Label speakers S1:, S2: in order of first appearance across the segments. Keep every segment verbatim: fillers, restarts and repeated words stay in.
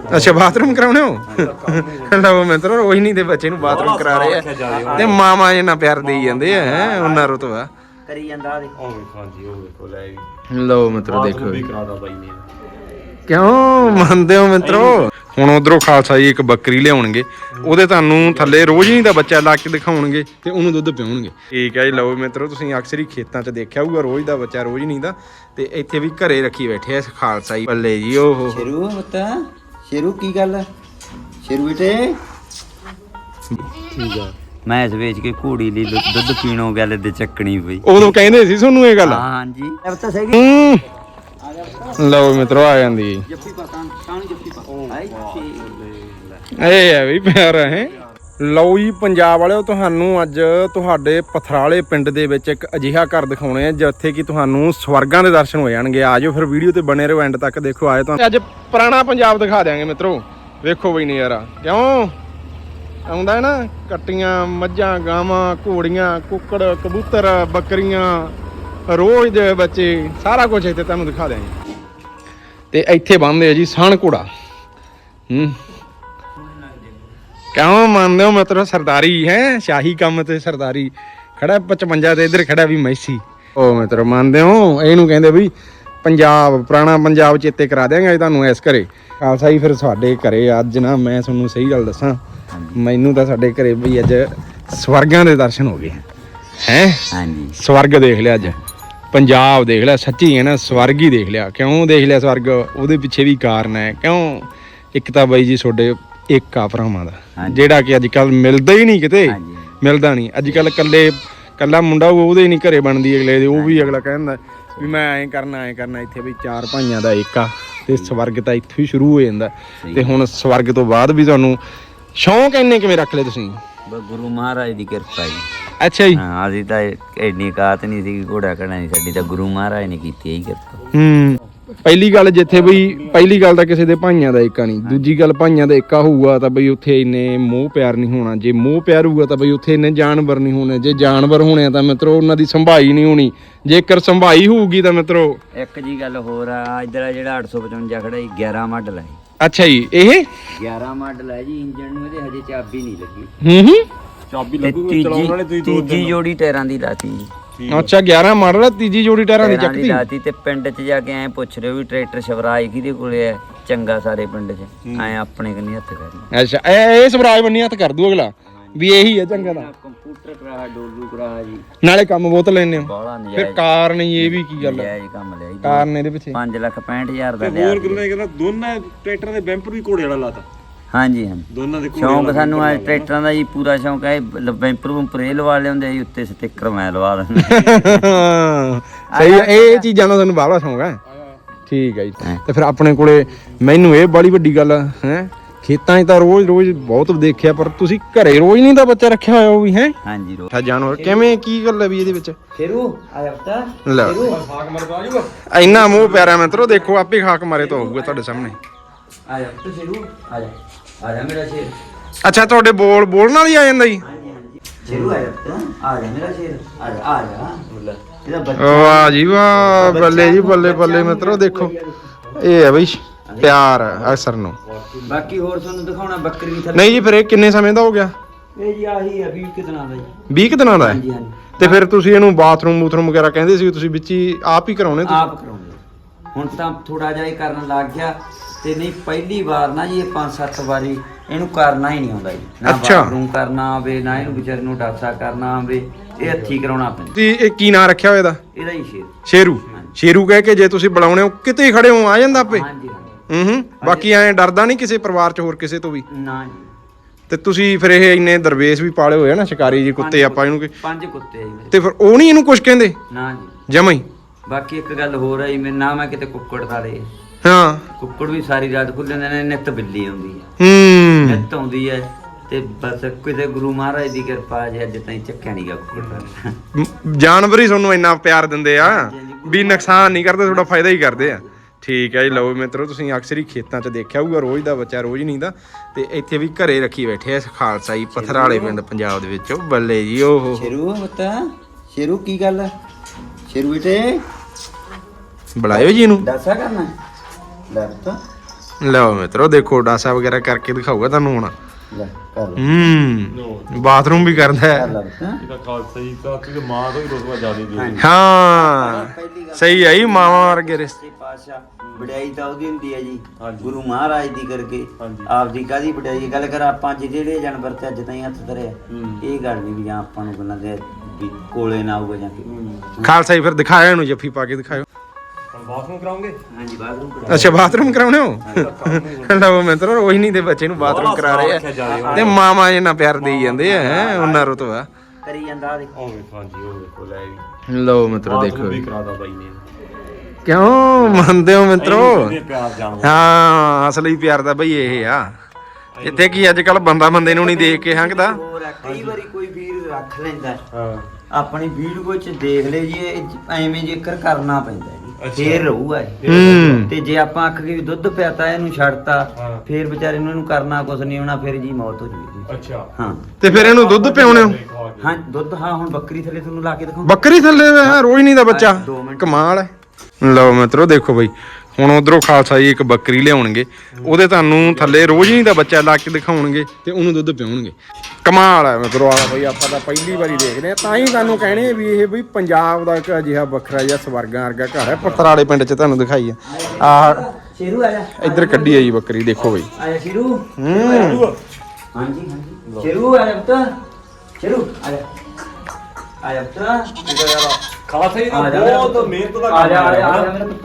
S1: ਅੱਛਾ ਬਾਥਰੂਮ ਕਰਾਉਣੇ ਹੋ ਲਓ ਮਿੱਤਰੋ ਰੋਹਿਣੀ ਦੇ ਬੱਚੇ ਨੂੰ ਬਾਥਰੂਮ ਕਰਾ ਰਹੇ ਆ ਤੇ ਮਾਮਾ ਇਹਨਾਂ ਪਿਆਰ ਦੇਈ ਜਾਂਦੇ ਆ ਹੈ ਉਹਨਾਂ ਰੁਤਬਾ
S2: ਕਰੀ ਜਾਂਦਾ ਦੇ
S3: ਉਹ ਵੇਖੋ ਹਾਂਜੀ ਉਹ ਵੇਖੋ ਲੈ ਵੀ
S1: ਲਓ ਮਿੱਤਰੋ ਦੇਖੋ
S3: ਵੀ ਕਰਾਦਾ ਬਾਈ ਨੇ
S1: ਕਿਉਂ ਮੰਨਦੇ ਹੋ ਮਿੱਤਰੋ ਹੁਣ ਉਧਰੋਂ ਖਾਲਸਾ ਜੀ ਇੱਕ ਬੱਕਰੀ ਲਿਆਉਣਗੇ ਉਹਦੇ ਤੁਹਾਨੂੰ ਥੱਲੇ ਰੋਜ਼ਨੀ ਦਾ ਬੱਚਾ ਲਾ ਕੇ ਦਿਖਾਉਣਗੇ ਤੇ ਉਹਨੂੰ ਦੁੱਧ ਪਿਉਣਗੇ ਠੀਕ ਹੈ ਜੀ ਲਓ ਮਿੱਤਰੋ ਤੁਸੀਂ ਅਕਸਰ ਹੀ ਖੇਤਾਂ 'ਚ ਦੇਖਿਆ ਹੋਊਗਾ ਰੋਜ਼ ਦਾ ਬੱਚਾ ਰੋਜ਼ਨੀ ਦਾ ਤੇ ਇੱਥੇ ਵੀ ਘਰੇ ਰੱਖੀ ਬੈਠੇ ਆ ਖਾਲਸਾ ਜੀ ਬੱਲੇ ਜੀ ਓਹੋ
S2: ਸ਼ੇਰੂ ਪੁੱਤਾ ਸ਼ੇਰੂ ਕੀ ਗੱਲ ਸ਼ੇਰੂ ਬੇਟੇ
S1: ਠੀਕ ਆ
S2: ਮੈਂ ਇਸ ਵੇਚ ਕੇ ਘੋੜੀ ਲਈ ਦੁੱਧ ਪੀਣੋਂ ਗੱਲ ਤੇ ਚੱਕਣੀ ਪਈ
S1: ਉਦੋਂ ਕਹਿੰਦੇ ਸੀ ਤੁਹਾਨੂੰ ਇਹ ਗੱਲ
S2: ਹਾਂਜੀ ਪੁੱਤਾ ਸਹੀ
S1: ਹੂੰ ਲਓ ਮਿੱਤਰੋ ਆ ਜਾਂਦੀ
S2: ਜੱਫੀ ਪਾ ਤਾਂ ਕਾਣੀ ਜੱਫੀ ਪਾ ਆਈ
S1: ਇਹ ਹੈ ਵੀ ਪਿਆਰ ਹੈ ਲਓ ਜੀ ਪੰਜਾਬ ਵਾਲਿਓ ਤੁਹਾਨੂੰ ਅੱਜ ਤੁਹਾਡੇ ਪਥਰਾਲੇ ਪਿੰਡ ਦੇ ਵਿੱਚ ਇੱਕ ਅਜਿਹਾ ਘਰ ਦਿਖਾਉਣੇ ਆ ਜਿੱਥੇ ਕਿ ਤੁਹਾਨੂੰ ਸਵਰਗਾਂ ਦੇ ਦਰਸ਼ਨ ਹੋ ਜਾਣਗੇ ਆ ਜਾਓ ਫਿਰ ਵੀਡੀਓ ਤੇ ਬਣੇ ਰਹੋ ਐਂਡ ਤੱਕ ਦੇਖੋ ਆਏ ਤਾਂ ਅੱਜ ਪੁਰਾਣਾ ਪੰਜਾਬ ਦਿਖਾ ਦਿਆਂਗੇ ਮਿੱਤਰੋ ਵੇਖੋ ਬਈ ਨਜ਼ਾਰਾ ਕਿਉਂ ਆਉਂਦਾ ਹੈ ਨਾ ਕੱਟੀਆਂ ਮੱਝਾਂ ਗਾਵਾਂ ਘੋੜੀਆਂ ਕੁੱਕੜ ਕਬੂਤਰ ਬੱਕਰੀਆਂ ਰੋਜ਼ ਦੇ ਬੱਚੇ ਸਾਰਾ ਕੁਝ ਇੱਥੇ ਤੁਹਾਨੂੰ ਦਿਖਾ ਦਿਆਂਗੇ ਤੇ ਇੱਥੇ ਬੰਨਦੇ ਆ ਜੀ ਸਾਣ ਘੋੜਾ ਹੂੰ ਕਿਉਂ ਮੰਨਦੇ ਹੋ ਮਤਲਬ ਸਰਦਾਰੀ ਹੈ ਸ਼ਾਹੀ ਕੰਮ ਤੇ ਸਰਦਾਰੀ ਖੜਾ ਪਚਵੰਜਾ ਤੇ ਇੱਧਰ ਖੜਾ ਵੀ ਮੈਸੀ ਉਹ ਮਤਲਬ ਮੰਨਦੇ ਹੋ ਇਹਨੂੰ ਕਹਿੰਦੇ ਵੀ ਪੰਜਾਬ ਪੁਰਾਣਾ ਪੰਜਾਬ ਚੇਤੇ ਕਰਾ ਦਿਆਂਗੇ ਤੁਹਾਨੂੰ ਇਸ ਘਰੇ ਖਾਲਸਾ ਜੀ ਫਿਰ ਸਾਡੇ ਘਰੇ ਅੱਜ ਨਾ ਮੈਂ ਤੁਹਾਨੂੰ ਸਹੀ ਗੱਲ ਦੱਸਾਂ ਮੈਨੂੰ ਤਾਂ ਸਾਡੇ ਘਰੇ ਬਈ ਅੱਜ ਸਵਰਗਾਂ ਦੇ ਦਰਸ਼ਨ ਹੋ ਗਏ ਹੈ
S2: ਹਾਂਜੀ
S1: ਸਵਰਗ ਦੇਖ ਲਿਆ ਅੱਜ ਪੰਜਾਬ ਦੇਖ ਲਿਆ ਸੱਚੀ ਹੈ ਨਾ ਸਵਰਗ ਹੀ ਦੇਖ ਲਿਆ ਕਿਉਂ ਦੇਖ ਲਿਆ ਸਵਰਗ ਉਹਦੇ ਪਿੱਛੇ ਵੀ ਕਾਰਨ ਹੈ ਕਿਉਂ ਇੱਕ ਤਾਂ ਬਾਈ ਜੀ ਤੁਹਾਡੇ ਇੱਕ ਆ ਭਰਾਵਾਂ ਦਾ ਜਿਹੜਾ ਕਿ ਅੱਜ ਕੱਲ ਮਿਲਦਾ ਹੀ ਨਹੀਂ ਕਿਤੇ ਮਿਲਦਾ ਨਹੀਂ ਅੱਜ ਕੱਲ ਕੱਲੇ ਕੱਲਾ ਮੁੰਡਾ ਉਹਦੇ ਨਹੀਂ ਘਰੇ ਬਣਦੀ ਅਗਲੇ ਦੇ ਉਹ ਵੀ ਅਗਲਾ ਕਹਿੰਦਾ ਵੀ ਮੈਂ ਐਂ ਕਰਨਾ ਐਂ ਕਰਨਾ ਇੱਥੇ ਵੀ ਚਾਰ ਭਾਈਆਂ ਦਾ ਇੱਕ ਆ ਤੇ ਸਵਰਗ ਤਾਂ ਇੱਥੋਂ ਹੀ ਸ਼ੁਰੂ ਹੋ ਜਾਂਦਾ ਤੇ ਹੁਣ ਸਵਰਗ ਤੋਂ ਬਾਅਦ ਵੀ ਤੁਹਾਨੂੰ ਸ਼ੌਂਕ ਇੰਨੇ ਕਿਵੇਂ ਰੱਖ ਲਏ ਤੁਸੀਂ
S2: ਗੁਰੂ ਮਹਾਰਾਜ ਦੀ ਕਿਰਪਾ ਜੀ
S1: ਅੱਛਾ ਜੀ
S2: ਹਾਂ ਅਸੀਂ ਤਾਂ ਐਡੀ ਕਾਤ ਨਹੀਂ ਸੀ ਘੋੜਾ ਕਢਣਾ ਨਹੀਂ ਸਾਡੀ ਤਾਂ ਗੁਰੂ ਮਹਾਰਾਜ ਨੇ ਕੀਤੀ ਇਹੀ ਕਿਰਪਾ
S1: ਹੂੰ ਪਹਿਲੀ ਗੱਲ ਜਿੱਥੇ ਬਈ ਪਹਿਲੀ ਗੱਲ ਤਾਂ ਕਿਸੇ ਦੇ ਭਾਈਆਂ ਦਾ ਏਕਾ ਨਹੀਂ ਦੂਜੀ ਗੱਲ ਭਾਈਆਂ ਦਾ ਏਕਾ ਹੋਊਗਾ ਤਾਂ ਬਈ ਉੱਥੇ ਇੰਨੇ ਮੋਹ ਪਿਆਰ ਨਹੀਂ ਹੋਣਾ ਜੇ ਮੋਹ ਪਿਆਰ ਹੋਊਗਾ ਤਾਂ ਬਈ ਉੱਥੇ ਇੰਨੇ ਜਾਨਵਰ ਨਹੀਂ ਹੋਣੇ ਜੇ ਜਾਨਵਰ ਹੋਣੇ ਤਾਂ ਮਿੱਤਰੋ ਉਹਨਾਂ ਦੀ ਸੰਭਾਈ ਨਹੀਂ ਹੋਣੀ ਜੇਕਰ ਸੰਭਾਈ ਹੋਊਗੀ ਤਾਂ ਮਿੱਤਰੋ
S2: ਇੱਕ ਜੀ ਗੱਲ ਹੋਰ ਆ ਇੱਧਰ ਜਿਹੜਾ ਅੱਠ ਸੌ ਪਚਵੰਜਾ ਖੜਾ ਜੀ ਗਿਆਰਾਂ ਮਾਡਲ ਹੈ
S1: ਅੱਛਾ ਜੀ ਇਹ
S2: ਗਿਆਰਾਂ ਮਾਡਲ ਹੈ ਜੀ ਇੰਜਨ ਨੂੰ ਇਹਦੇ ਹਜੇ ਚਾਬੀ ਨਹੀਂ ਲੱਗੀ
S1: ਹੂੰ ਹੂੰ
S3: ਚਾਬੀ
S2: ਤੇ
S3: ਲੱਗੂਗੀ ਚਲਾਉਣ ਵਾਲੇ
S2: ਤੀਜੀ
S3: ਤੁਸੀਂ ਦੋ
S2: ਤੀਜੀ ਜੋੜੀ ਟਾਇਰਾਂ ਦੀ ਲਾਤੀ ਜੀ
S1: ਅੱਛਾ ਗਿਆਰਾਂ ਮਾਡਲ ਆ ਤੀਜੀ ਜੋੜੀ ਟਾਇਰਾਂ ਦੀ
S2: ਟਾਇਰਾਂ ਦੀ
S1: ਚੱਕਦੀ
S2: ਲਾਤੀ ਤੇ ਪਿੰਡ 'ਚ ਜਾ ਕੇ ਐ ਪੁੱਛ ਰਹੇ ਹੋ ਵੀ ਟਰੈਕਟਰ ਸ਼ਵਰਾਜ ਕਿਹਦੇ ਕੋਲੇ ਹੈ ਚੰਗਾ ਸਾਰੇ ਪਿੰਡ 'ਚ ਐ ਆਪਣੇ ਕੰਨੀ ਹੱਥ ਕਰਨੀ
S1: ਅੱਛਾ ਇਹ ਇਹ ਸਵਰਾਜ ਬੰਨੀ ਹੱਥ ਕਰ ਦੂ ਅਗਲਾ ਵੀ ਇਹੀ ਹੈ ਚੰਗਾ ਦਾ
S2: ਕੰਪਿਊਟਰ ਕਰਾ ਡੋਲੂ ਕਰਾ ਜੀ
S1: ਨਾਲੇ ਕੰਮ ਬਹੁਤ ਲੈਣੇ ਹੋ
S2: ਬਾਹਲਾ
S1: ਫਿਰ
S2: ਨਜਾਇਜ਼
S1: ਕਾਰਨ ਹੀ ਇਹ ਵੀ ਕੀ ਗੱਲ ਹੈ
S2: ਨਜਾਇਜ਼ ਕੰਮ ਲਿਆ ਜੀ
S1: ਕਾਰਨ ਇਹਦੇ ਪਿੱਛੇ
S2: ਪੰਜ ਲੱਖ ਪੈਂਹਠ ਹਜ਼ਾਰ ਦਾ ਲਿਆ
S3: ਹੋਰ ਕਿੰਨੇ ਕਹਿੰਦਾ ਦੋਨਾਂ ਟਰੈਕਟਰਾਂ ਦੇ ਬੈਂਪਰ ਵੀ ਘੋੜੇ ਵਾਲਾ ਲਾਤਾ
S2: ਹਾਂਜੀ ਹਾਂਜੀ
S3: ਦੋਨਾਂ ਦੇ
S2: ਸ਼ੌਂਕ ਸਾਨੂੰ ਆ ਟਰੈਕਟਰਾਂ ਦਾ ਜੀ ਪੂਰਾ ਸ਼ੌਂਕ ਹੈ ਬੈਂਪਰ ਬੂੰਪਰ ਇਹ ਲਵਾ ਲਿਆਉਂਦੇ ਜੀ ਉੱਤੇ ਸਟicker ਮੈਂ ਲਵਾ ਦਿੰਦਾ
S1: ਸਹੀ ਹੈ ਇਹ ਚੀਜ਼ਾਂ ਦਾ ਤੁਹਾਨੂੰ ਬਾਹਲਾ ਸ਼ੌਂਕ ਹੈ ਠੀਕ ਹੈ ਜੀ ਤੇ ਫਿਰ ਆਪਣੇ ਕੋਲੇ ਮੈਨੂੰ ਇਹ ਬੜੀ ਵੱਡੀ ਗੱਲ ਹੈ ਖੇਤਾਂ 'ਚ ਤਾਂ ਰੋਜ਼ ਰੋਜ਼ ਬਹੁਤ ਦੇਖਿਆ ਪਰ ਤੁਸੀਂ ਘਰੇ ਰੋਜ਼ ਨਹੀਂ ਤਾਂ ਬੱਚਾ ਰੱਖਿਆ ਹੋਇਆ ਉਹ ਵੀ ਹੈ
S2: ਹਾਂਜੀ ਰੋ
S1: ਜਾਨਵਰ ਕਿਵੇਂ ਕੀ ਗੱਲ ਹੈ ਵੀ ਇਹਦੇ ਵਿੱਚ
S2: ਸ਼ੇਰੂ ਆ ਜਾ ਪੁੱਤ
S1: ਲੈ
S3: ਖਾਕ ਮਰਦਾ ਜੂਗਾ
S1: ਇੰਨਾ ਮੋਹ ਪਿਆਰਾ ਮਿੱਤਰੋ ਦੇਖੋ ਆਪੇ ਖਾਕ ਮਾਰੇ ਤਾਂ ਹੋਊਗਾ ਤੁਹਾਡੇ ਸਾਹਮਣੇ
S2: ਆ ਜਾ ਪੁੱਤ ਸ਼ੇਰੂ ਆ ਜਾ ਆ ਜਾ ਮੇਰਾ ਸ਼ੇਰ
S1: ਅੱਛਾ ਤੁਹਾਡੇ ਬੋਲ ਬੋਲਣ ਨਾਲ ਹੀ ਆ ਜਾਂਦਾ ਜੀ
S2: ਹਾਂਜੀ ਹਾਂਜੀ ਸ਼ੇਰੂ ਆ ਜਾ ਪੁੱਤ ਆ ਜਾ ਮੇਰਾ ਸ਼ੇਰ ਆ ਜਾ ਆ ਜਾ ਇਹਦਾ ਬੱਚਾ
S1: ਵਾਹ ਜੀ ਵਾਹ ਬੱਲੇ ਜੀ ਬੱਲੇ ਬੱਲੇ ਮਿੱਤਰੋ ਦੇਖੋ ਇਹ ਹੈ ਬਈ ਪਿਆਰ ਅਕਸਰ ਨੂੰ
S2: ਬਾਕੀ ਹੋਰ ਤੁਹਾਨੂੰ ਦਿਖਾਉਣਾ ਬੱਕਰੀ ਥੱਲੇ
S1: ਨਹੀਂ ਜੀ ਫਿਰ ਇਹ ਕਿੰਨੇ ਸਮੇਂ ਦਾ ਹੋ ਗਿਆ
S2: ਇਹ ਜੀ ਆਹੀ ਹੈ ਵੀਹ ਕੁ ਦਿਨਾਂ ਦਾ ਜੀ
S1: ਵੀਹ ਕੁ ਦਿਨਾਂ ਦਾ ਹੈ
S2: ਹਾਂਜੀ ਹਾਂਜੀ
S1: ਤੇ ਫਿਰ ਤੁਸੀਂ ਇਹਨੂੰ ਬਾਥਰੂਮ ਬੂਥਰੂਮ ਵਗੈਰਾ ਕਹਿੰਦੇ ਸੀ ਤੁਸੀਂ ਵਿੱਚ ਹੀ ਆਪ ਹੀ ਕਰਾਉਣੇ ਤੁਸੀਂ
S2: ਆਪ ਕਰਾਉਂਦੇ ਹੁਣ ਤਾਂ ਥੋੜਾ ਜਿਹਾ ਇਹ ਕਰਨ ਲੱਗ ਗਿਆ ਤੇ ਨਹੀਂ ਪਹਿਲੀ ਵਾਰ ਨਾ ਜੀ ਇਹ ਪੰਜ ਸੱਤ ਵਾਰੀ ਇਹਨੂੰ ਕਰਨਾ ਹੀ ਨਹੀਂ ਆਉਂਦਾ ਜੀ ਨਾ
S1: ਅੱਛਾ।
S2: ਬਾਥਰੂਮ ਕਰਨਾ ਆਵੇ ਨਾ ਇਹਨੂੰ ਵਿਚਾਰ ਨੂੰ ਡਾਸਾ ਕਰਨਾ ਆਵੇ ਇਹ ਹੱਥੀ ਕਰਾਉਣਾ ਪੈਂਦਾ
S1: ਤੇ ਇਹ ਕੀ ਨਾਂ ਰੱਖਿਆ ਹੋਇਆ ਇਹਦਾ
S2: ਇਹਦਾ ਹੀ ਸ਼ੇਰ
S1: ਸ਼ੇਰੂ ਸ਼ੇਰੂ ਕਹਿ ਕੇ ਜੇ ਤੁਸੀਂ ਬੁਲਾਉਣੇ ਹੋ ਕਿਤੇ ਹੀ ਖੜੇ ਹੋ ਆ ਜਾਂਦਾ ਆਪੇ
S2: ਹਾਂਜੀ ਹਾਂਜੀ
S1: ਹੂੰ ਹੂੰ ਬਾਕੀ ਐਂ ਡਰਦਾ ਨਹੀਂ ਕਿਸੇ ਪਰਿਵਾਰ ਚ ਹੋਰ ਕਿਸੇ ਤੋਂ ਵੀ
S2: ਨਾ ਜੀ
S1: ਤੇ ਤੁਸੀਂ ਫਿਰ ਇਹ ਇੰਨੇ ਦਰਵੇਸ਼ ਵੀ ਪਾਲੇ ਹੋਏ ਆ ਨਾ ਸ਼ਿਕਾਰੀ ਜੀ ਕੁੱਤੇ ਆਪਾਂ ਇਹਨੂੰ ਕਿ
S2: ਪੰਜ ਕੁੱਤੇ ਆ ਜੀ ਮੇਰੇ
S1: ਤੇ ਫਿਰ ਉਹ ਨਹੀਂ ਇਹਨੂੰ ਕੁਝ ਕਹਿੰਦੇ
S2: ਨਾ ਜੀ
S1: ਜਮਾਂ ਹੀ
S2: ਬਾਕੀ ਇੱਕ ਗੱਲ ਹੋਰ ਹੈ ਜੀ ਮੇਰੇ ਨਾ ਮੈਂ ਕਿਤੇ ਕੁੱਕੜ ਖਾਲੇ
S1: ਹਾਂ
S2: ਕੁੱਕੜ ਵੀ ਸਾਰੀ ਰਾਤ ਖੁੱਲੇ ਨੇ ਨਿੱਤ ਬਿੱਲੀ ਆਉਂਦੀ ਹੈ
S1: ਹੂੰ
S2: ਨਿੱਤ ਆਉਂਦੀ ਹੈ ਤੇ ਬਸ ਕਿਤੇ ਗੁਰੂ ਮਹਾਰਾਜ ਦੀ ਕਿਰਪਾ ਜੇ ਅੱਜ ਤਾਈਂ ਚੱਕਿਆ ਨਹੀਂ ਗਿਆ ਕੁੱਕੜ
S1: ਮ- ਜਾਨਵਰ ਹੀ ਤੁਹਾਨੂੰ ਇੰਨਾ ਪਿਆਰ ਦਿੰਦੇ ਆ ਵੀ ਨੁਕਸਾਨ ਨਹੀਂ ਕਰਦੇ ਤੁਹਾਡਾ ਫਾਇਦਾ ਹੀ ਕਰਦੇ ਆ ਠੀਕ ਹੈ ਜੀ ਲਓ ਮਿੱਤਰੋ ਤੁਸੀਂ ਅਕਸਰ ਹੀ ਖੇਤਾਂ 'ਚ ਦੇਖਿਆ ਹੋਊਗਾ ਰੋਜ਼ ਦਾ ਬੱਚਾ ਰੋਜ਼ ਨਹੀਂ ਦਾ ਤੇ ਇੱਥੇ ਵੀ ਘਰੇ ਰੱਖੀ ਬੈਠੇ ਆ ਖਾਲਸਾ ਜੀ ਪਥਰਾਲੇ ਪਿੰਡ ਪੰਜਾਬ ਦੇ ਵਿੱਚੋਂ ਬੱਲੇ ਜੀ ਓਹੋ
S2: ਸ਼ੇਰੂ ਪੁੱਤਾ ਸ਼ੇਰੂ ਕੀ ਗੱਲ ਸ਼ੇਰੂ ਬੇਟੇ
S1: ਬੁਲਾਇਓ ਜੀ ਇਹਨੂੰ
S2: ਦੱਸਾ ਕਰਨਾ ਲੈ ਪੁੱਤ
S1: ਲਓ ਮਿੱਤਰੋ ਦੇਖੋ ਡਾਸਾ ਵਗੈਰਾ ਕਰਕੇ ਦਿਖਾਊਗਾ ਤੁਹਾਨੂੰ ਹੁਣ
S2: ਲੈ ਕਰ ਲੈ
S1: ਹੂੰ ਬਾਥਰੂਮ ਵੀ ਕਰਦਾ
S2: ਕਰ
S1: ਹੈ
S2: ਲੈ ਪੁੱਤ।
S3: ਇਹਦਾ ਖਾਲਸਾ ਜੀ ਤਾਂ ਤੇ ਮਾਂ ਤੋਂ ਹੀ ਰੁਤਬਾ ਜ਼ਿਆਦਾ ਦੇ
S2: ਹਾਂਜੀ।
S1: ਹਾਂ
S2: ਪਹਿਲੀ ਗੱਲ
S1: ਸਹੀ ਆਈ ਮਾਵਾਂ ਵਰਗੇ ਰਿਸ਼ਤੇ
S2: ਸੱਚੇ ਪਾਤਸ਼ਾਹ ਵਡਿਆਈ ਤਾਂ ਉਹਦੀ ਹੁੰਦੀ ਹੈ ਜੀ
S3: ਹਾਂਜੀ।
S2: ਗੁਰੂ ਮਹਾਰਾਜ ਦੀ ਕਰਕੇ
S3: ਹਾਂਜੀ।
S2: ਆਪਦੀ ਕਾਹਦੀ ਵਡਿਆਈ ਗੱਲ ਕਰ ਆਪਾਂ ਅੱਜ ਜਿਹੜੇ ਜਾਨਵਰ ਤੇ ਅੱਜ ਤਾਈਂ ਹੱਥ ਧਰਿਆ
S3: ਹੂੰ।
S2: ਇਹ ਗੱਲ ਨਹੀਂ ਵੀ ਜਾਂ ਆਪਾਂ ਨੂੰ ਗੱਲਾਂ ਦੇ ਵੀ ਕੋਲੇ ਨਾ ਆਊਗਾ ਜਾਂ ਕਿ
S3: ਹੂੰ
S1: ਖਾਲਸਾ ਜੀ ਫਿਰ ਦਿਖਾਇਆ ਇਹਨੂੰ ਜੱਫੀ ਪਾ ਕੇ ਦਿਖਾਇਓ
S3: ਹੁਣ ਬਾਥਰੂਮ ਕਰਾਉਂਗੇ
S2: ਹਾਂਜੀ ਬਾਥਰੂਮ
S1: ਅੱਛਾ ਬਾਥਰੂਮ ਕਰਾਉਣੇ ਹੋ ਲਓ ਮਿੱਤਰੋ ਰੋਜ਼ ਨਹੀਂ ਦੇ ਬੱਚੇ ਨੂੰ ਬਾਥਰੂਮ ਕਰਾ ਰਹੇ ਆ ਤੇ ਮਾਮਾ ਇਹਨਾਂ ਪਿਆਰ ਦੇਈ ਜਾਂਦੇ ਆ ਹੈਂ, ਉਹਨਾਂ ਰੁਤਬਾ
S2: ਕਰੀ ਜਾਂਦਾ ਆ ਦੇਖੋ
S3: ਉਹ ਵੇਖੋ ਹਾਂਜੀ ਉਹ ਵੇਖੋ ਲੈ ਵੀ
S1: ਲਓ ਮਿੱਤਰੋ ਦੇਖੋ
S3: ਬਾਥਰੂਮ ਵੀ ਕਰਾਦਾ ਬਾਈ ਨੇ
S1: ਕਿਉਂ ਮੰਨਦੇ ਹੋ ਮਿੱਤਰੋ
S3: ਇਹਦੇ ਪਿਆਰ ਜਾਣਦਾ
S1: ਹਾਂ ਅਸਲੀ ਪਿਆਰ ਦਾ ਬਈ ਇਹ ਆ ਇੱਥੇ ਕੀ ਅੱਜ ਕੱਲ ਬੰਦਾ ਬੰਦੇ ਨੂੰ ਨਹੀਂ ਦੇਖ ਕੇ ਹੰਗਦਾ
S2: ਹੋਰ ਆ, ਕਈ ਵਾਰੀ ਕੋਈ ਵੀਰ ਰੱਖ ਲੈਂਦਾ
S3: ਹਾਂ
S2: ਆਪਣੀ ਵੀਡੀਓ ਚ ਦੇਖ ਲੈ ਜੀ ਇਹ ਐਵੇਂ ਜੇਕਰ ਕਰਨਾ ਪੈਂਦਾ ਜੀ
S3: ਅੱਛਾ।
S2: ਫੇਰ ਰਹੂਗਾ ਇਹ।
S1: ਹੂੰ
S2: ਤੇ ਜੇ ਆਪਾਂ ਅੱਖ ਕੇ ਵੀ ਦੁੱਧ ਪਿਆਤਾ ਇਹਨੂੰ ਛੱਡਤਾ
S3: ਹਾਂ।
S2: ਫੇਰ ਵਿਚਾਰੇ ਨੂੰ ਇਹਨੂੰ ਕਰਨਾ ਕੁਛ ਨਹੀਂ ਹੋਣਾ ਫਿਰ ਜੀ ਮੌਤ ਹੋ ਜੂਗੀ
S3: ਅੱਛਾ
S2: ਹਾਂ
S1: ਤੇ ਫਿਰ ਇਹਨੂੰ ਦੁੱਧ ਪਿਆਉਣੇ ਹੋ
S2: ਹਾਂ ਦੁੱਧ ਹਾਂ ਹੁਣ ਬੱਕਰੀ ਥੱਲੇ ਤੁਹਾਨੂੰ ਲਾ ਕੇ ਦਿਖਾਉਂ
S1: ਬੱਕਰੀ ਥੱਲੇ ਹੈ ਰੋਜ਼ ਨਹੀਂ ਦਾ ਬੱਚਾ
S2: ਦੋ ਮਿੰਟ।
S1: ਕਮਾਲ ਹੈ ਲਓ ਮਿੱਤਰੋ ਦੇਖੋ ਬਈ ਹੁਣ ਉਧਰੋਂ ਖਾਲਸਾ ਜੀ ਇੱਕ ਬੱਕਰੀ ਲਿਆਉਣਗੇ ਉਹਦੇ ਤੁਹਾਨੂੰ ਥੱਲੇ ਰੋਜ਼ ਨਹੀਂ ਦਾ ਬੱਚਾ ਲਾ ਕੇ ਦਿਖਾਉਣਗੇ ਤੇ ਉਹਨੂੰ ਦੁੱਧ ਪਿਆਉਣਗੇ ਕਮਾਲ ਹੈ ਮਿੱਤਰੋ ਆਲਾ ਬਈ ਆਪਾਂ ਤਾਂ ਪਹਿਲੀ ਵਾਰੀ ਦੇਖ ਰਹੇ ਆ ਤਾਂ ਹੀ ਤੁਹਾਨੂੰ ਕਹਿਣੇ ਵੀ ਇਹ ਬਈ ਪੰਜਾਬ ਦਾ ਇੱਕ ਅਜਿਹਾ ਵੱਖਰਾ ਜਿਹਾ ਸਵਰਗਾਂ ਵਰਗਾ ਘਰ ਹੈ ਪੱਤਰਾਲੇ ਪਿੰਡ 'ਚ ਤੁਹਾਨੂੰ ਦਿਖਾਈ ਆ ਆਹ
S2: ਸ਼ੇਰੂ ਆ ਜਾ
S1: ਇੱਧਰ ਕੱਢੀ ਆ ਜੀ ਬੱਕਰੀ ਦੇਖੋ ਬਈ
S2: ਆ ਜਾ ਸ਼ੇਰੂ
S1: ਹੂੰ
S2: ਹਾਂਜੀ ਹਾਂਜੀ ਸ਼ੇਰੂ ਆ ਜਾ ਪੁੱਤ ਸ਼ੇਰੂ ਆ ਜਾ ਆ ਜਾ ਪੁੱਤ
S3: ਖਾਲਸਾ ਜੀ
S2: ਆ
S3: ਦਾ
S2: ਜਾ
S3: ਬਹੁਤ ਮਿਹਨਤ ਦਾ
S2: ਆ ਜਾ ਆ ਜਾ, ਆ
S3: ਕੰਮ
S2: ਜਾ
S3: ਹੈ
S2: ਮੇਰਾ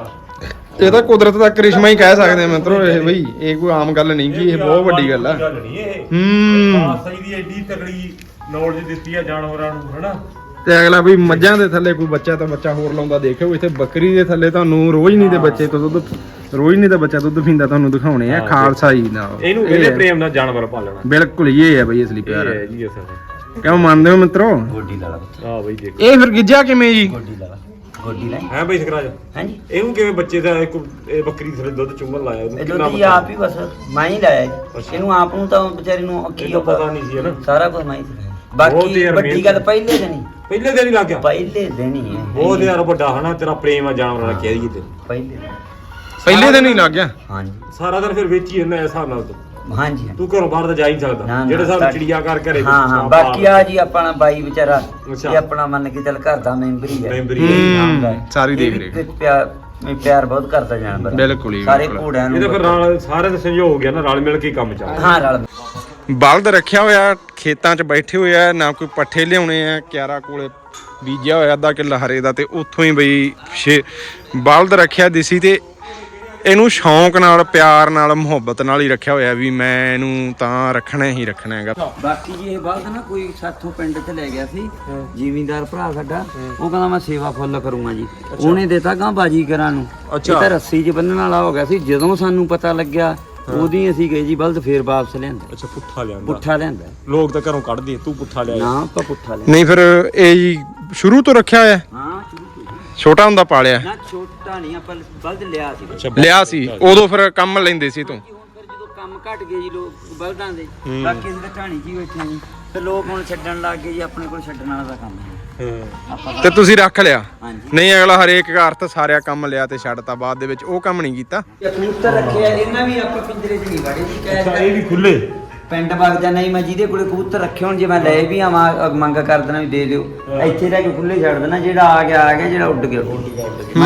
S2: ਪੁੱਤ
S1: ਇਹ ਤਾਂ ਕੁਦਰਤ ਦਾ ਕਰਿਸ਼ਮਾ ਹੀ ਕਹਿ ਸਕਦੇ ਆ ਮਿੱਤਰੋ ਇਹ ਬਈ ਇਹ ਕੋਈ ਆਮ ਗੱਲ ਨਹੀਂ ਗੀ ਇਹ ਬਹੁਤ ਵੱਡੀ ਗੱਲ ਆ
S3: ਗੱਲ ਨਹੀਂ ਇਹ
S1: ਹੂੰ
S3: ਖਾਲਸਾ ਜੀ ਦੀ ਐਡੀ ਤਕੜੀ ਨੌਲੇਜ ਦਿੱਤੀ ਆ ਜਾਨਵਰਾਂ ਨੂੰ ਹਨਾ
S1: ਤੇ ਅਗਲਾ ਵੀ ਮੱਝਾਂ ਦੇ ਥੱਲੇ ਕੋਈ ਬੱਚਾ ਤਾਂ ਬੱਚਾ ਹੋਰ ਲਾਉਂਦਾ ਦੇਖਿਓ ਇੱਥੇ ਬੱਕਰੀ ਦੇ ਥੱਲੇ ਤੁਹਾਨੂੰ ਰੋਜ਼ ਨਹੀਂ ਦੇ ਬੱਚੇ ਤੋਂ ਦੁੱਧ ਰੋਜ਼ ਨਹੀਂ ਦਾ ਬੱਚਾ ਦੁੱਧ ਪੀਂਦਾ ਤੁਹਾਨੂੰ ਦਿਖਾਉਣੇ ਆ ਖਾਲਸਾ ਜੀ ਨਾਲ
S3: ਇਹਨੂੰ
S1: ਇਹ
S3: ਕਹਿੰਦੇ
S1: ਹੈ।
S3: ਪ੍ਰੇਮ ਨਾਲ ਜਾਨਵਰ ਪਾਲਣਾ
S1: ਬਿਲਕੁਲ ਇਹ ਹੈ ਬਈ ਅਸਲੀ ਪਿਆਰ
S3: ਇਹ ਹੈ ਜੀ ਅਸਲ
S1: ਕਿਉਂ ਮੰਨਦੇ ਹੋ ਮਿੱਤਰੋ
S2: ਗੋਡੀ ਲਾ ਲਾ ਪੁੱਤ
S3: ਆ ਬਈ ਦੇਖੋ
S1: ਇਹ ਫਿਰ ਗਿੱਜਾ ਕਿਵੇਂ ਜੀ
S2: ਗੋਡੀ ਲਾ ਲਾ ਗੋਡੀ ਲੈ
S3: ਹੈ ਬਈ ਸਕਰਾਜ
S2: ਹਾਂਜੀ
S3: ਇਹਨੂੰ ਕਿਵੇਂ ਬੱਚੇ ਦਾ ਇੱਕ ਇਹ ਬੱਕਰੀ ਥਲੇ ਦੁੱਧ ਚੁੰਗਣ ਲਾਇਆ ਉਹਨੂੰ
S2: ਇਹ
S3: ਕਿੰਨਾ
S2: ਦੁੱਧ ਹੀ ਆਪ ਹੀ ਬਸ ਮੈਂ ਹੀ ਲਾਇਆ ਜੀ
S3: ਅੱਛਾ।
S2: ਇਹਨੂੰ ਆਪ ਨੂੰ ਤਾਂ ਵਿਚਾਰੇ ਨੂੰ ਕੀ
S3: ਇਹਨੂੰ ਪਤਾ ਨਹੀਂ ਸੀ ਹਨਾ
S2: ਸਾਰਾ ਕੁਝ ਮੈਂ ਹੀ ਲਾਇਆ
S3: ਬਹੁਤ
S2: ਬਾਕੀ
S3: ਯਾਰ
S2: ਵੱਡੀ
S3: ਮਿਹਨਤ
S2: ਗੱਲ ਪਹਿਲੇ ਦਿਨ ਹੀ
S3: ਪਹਿਲੇ ਦਿਨ ਹੀ ਲੱਗ ਗਿਆ
S2: ਪਹਿਲੇ ਦਿਨ ਹੀ ਹੈ
S3: ਬਹੁਤ ਯਾਰ ਵੱਡਾ ਹਨਾ ਤੇਰਾ ਪ੍ਰੇਮ ਆ ਜਾਨਵਰਾਂ ਨਾਲ ਕਹਿ ਦਈਏ ਤੇ
S2: ਪਹਿਲੇ ਦਿਨ।
S1: ਪਹਿਲੇ ਦਿਨ ਹੀ ਲੱਗ ਗਿਆ
S2: ਹਾਂਜੀ
S3: ਸਾਰਾ ਦਿਨ ਫਿਰ ਵੇਚੀ ਜਾਂਦਾ ਇਸ ਹਿਸਾਬ ਨਾਲ ਤੂੰ
S2: ਹਾਂਜੀ ਹਾਂਜੀ।
S3: ਤੂੰ ਘਰੋਂ ਬਾਹਰ ਤਾਂ ਜਾ ਹੀ ਨਹੀਂ
S2: ਨਾ,
S3: ਸਕਦਾ
S2: ਨਾ,
S3: ਜਿਹੜੇ ਹਿਸਾਬ ਨਾਲ
S2: ਤਾਂ-
S3: ਚਿੜੀਆ ਕਰ ਘਰੇ
S2: ਹਾਂ ਹਾਂ ਬਾਕੀ ਆ ਜੀ ਆਪਣਾ ਬਾਈ ਵਿਚਾਰਾ
S3: ਅੱਛਾ।
S2: ਇਹ ਆਪਣਾ ਮੰਨ ਕੇ ਚੱਲ ਘਰ ਦਾ ਮੈਂਬਰ ਹੀ ਹੈ
S3: ਮੈਂਬਰ ਹੀ ਹੈ।
S2: ਨਾਮ ਦਾ।
S1: ਹੂੰ, ਸਾਰੀ
S2: ਇਹ
S1: ਦੇਖ
S2: ਵੀ
S1: ਰੇਖ।
S2: ਤੇ ਪਿਆਰ ਮੈਂ ਪਿਆਰ ਬਹੁਤ ਕਰਦਾ ਜਾਨਵਰ
S1: ਬਿਲਕੁਲ ਹੀ,
S2: ਸਾਰੇ
S1: ਬਿਲਕੁਲ।
S2: ਘੋੜਿਆਂ ਨੂੰ
S3: ਇਹਦਾ ਫਿਰ ਨਾਲ ਸਾਰੇ ਦਾ ਸੰਯੋਗ ਹੋ ਗਿਆ ਨਾ ਰਲ ਮਿਲ ਕੇ ਹੀ ਕੰਮ ਚੱਲਦਾ
S2: ਹਾਂ ਰਲ
S1: ਬਲਦ ਰੱਖਿਆ ਹੋਇਆ ਖੇਤਾਂ 'ਚ ਬੈਠੇ ਹੋਏ ਆ ਨਾ ਕੋਈ ਪੱਠੇ ਲਿਆਉਣੇ ਆ ਕਿਆਰਾ ਕੋਲੇ ਬੀਜਿਆ ਹੋਇਆ ਅੱਧਾ ਕਿੱਲਾ ਹਰੇ ਦਾ ਤੇ ਉੱਥੋਂ ਹੀ ਬਈ ਛੇ ਬਲਦ ਰੱਖਿਆ ਦਿਸੀ ਤੇ ਇਹਨੂੰ ਸ਼ੌਂਕ ਨਾਲ ਪਿਆਰ ਨਾਲ ਮੁਹੱਬਤ ਨਾਲ ਹੀ ਰੱਖਿਆ ਹੋਇਆ ਵੀ ਮੈਂ ਇਹਨੂੰ ਤਾਂ ਰੱਖਣਾ ਹੀ ਰੱਖਣਾ ਹੈਗਾ
S2: ਬਾਕੀ ਜੀ ਇਹ ਬਲਦ ਨਾ ਕੋਈ ਸਾਥੋਂ ਪਿੰਡ ਚ ਲੈ ਗਿਆ ਸੀ ਜ਼ਿਮੀਂਦਾਰ ਭਰਾ ਸਾਡਾ ਉਹ ਕਹਿੰਦਾ ਮੈਂ ਸੇਵਾ ਫੁੱਲ ਕਰੂੰਗਾ ਜੀ ਉਹਨੇ ਦਿੱਤਾ ਗਾਂ ਬਾਜੀ ਕਰਾਂ ਨੂੰ ਇਹ ਤਾਂ ਰੱਸੀ 'ਚ ਬੰਨਣ ਵਾਲਾ ਹੋ ਗਿਆ ਸੀ ਜਦੋਂ ਸਾਨੂੰ ਪਤਾ ਲੱਗਿਆ ਉਹਦੀ ਅਸੀਂ ਗਏ ਜੀ ਬਲਦ ਫੇਰ ਵਾਪਸ ਲਿਆਂਦਾ
S3: ਅੱਛਾ ਪੁੱਠਾ ਲਿਆਂਦਾ
S2: ਪੁੱਠਾ ਲਿਆਂਦਾ
S3: ਲੋਕ ਤਾਂ ਘਰੋਂ ਕੱਢਦੇ ਤੂੰ ਪੁੱਠਾ ਲਿਆ
S2: ਨਾ ਆਪਾਂ ਪੁੱਠਾ ਲਿਆ
S1: ਨਹੀਂ ਫਿਰ ਇਹ ਜੀ ਸ਼ੁਰੂ ਤੋਂ ਰੱਖਿਆ ਹੋਇਆ
S2: ਹਾਂ ਸ਼ੁਰੂ ਤੋਂ ਹੀ।
S1: ਛੋਟਾ ਹੁੰਦਾ ਪਾਲਿਆ
S2: ਨਾ ਛੋਟਾ ਨਹੀਂ ਆਪਾਂ ਬਲਦ ਲਿਆ ਸੀ
S3: ਅੱਛਾ
S1: ਲਿਆ ਸੀ ਉਦੋਂ ਫਿਰ ਕੰਮ ਲੈਂਦੇ ਸੀ ਤੂੰ
S2: ਹੁਣ ਫਿਰ ਜਦੋਂ ਕੰਮ ਘਟ ਗਏ ਜੀ ਲੋਕ ਬਲਦਾਂ ਦੇ ਬਾਕੀ ਅਸੀਂ ਤਾਂ ਢਾਣੀ 'ਚ ਹੀ ਬੈਠੇ ਜੀ ਤੇ ਲੋਕ ਹੁਣ ਛੱਡਣ ਲੱਗ ਗਏ ਜੀ ਆਪਣੇ ਕੋਲ ਛੱਡਣ ਵਾਲਾ ਦਾ ਕੰਮ ਹੈ
S3: ਹਾਂ
S2: ਆਪਾਂ
S1: ਤੇ ਤੁਸੀਂ ਰੱਖ ਲਿਆ
S2: ਹਾਂਜੀ
S1: ਨਹੀਂ ਅਗਲਾ ਹਰੇਕ ਅਰਥ ਸਾਰਿਆ ਕੰਮ ਲਿਆ ਤੇ ਛੱਡਤਾ ਬਾਅਦ ਦੇ ਵਿੱਚ ਉਹ ਕੰਮ ਨਹੀਂ ਕੀਤਾ
S2: ਇਹ ਕਬੂਤਰ ਰੱਖਿਆ ਇਹਨਾਂ ਵੀ ਆਪਾਂ ਪਿੰਜਰੇ 'ਚ ਨਹੀਂ ਵੜੇ ਜੀ
S3: ਅੱਛਾ
S2: ਕਹਿ
S3: ਇਹ ਵੀ ਖੁੱਲੇ
S2: ਪਿੰਡ ਵਗ ਜਾਣਾ ਜੀ ਮੈਂ ਜਿਹਦੇ ਕੋਲੇ ਕਬੂਤਰ ਰੱਖੇ ਹੁਣ ਜੇ ਮੈਂ ਲੈ ਵੀ ਆਵਾਂ ਮੰਗ ਕਰ ਦੇਣਾ ਵੀ ਦੇ ਦਿਓ ਇੱਥੇ ਰਹਿ ਕੇ ਖੁੱਲੇ ਛੱਡ ਦੇਣਾ ਜਿਹੜਾ ਆ ਗਿਆ ਆ ਗਿਆ ਜਿਹੜਾ ਉੱਡ ਗਿਆ ਉੱਡ ਗਿਆ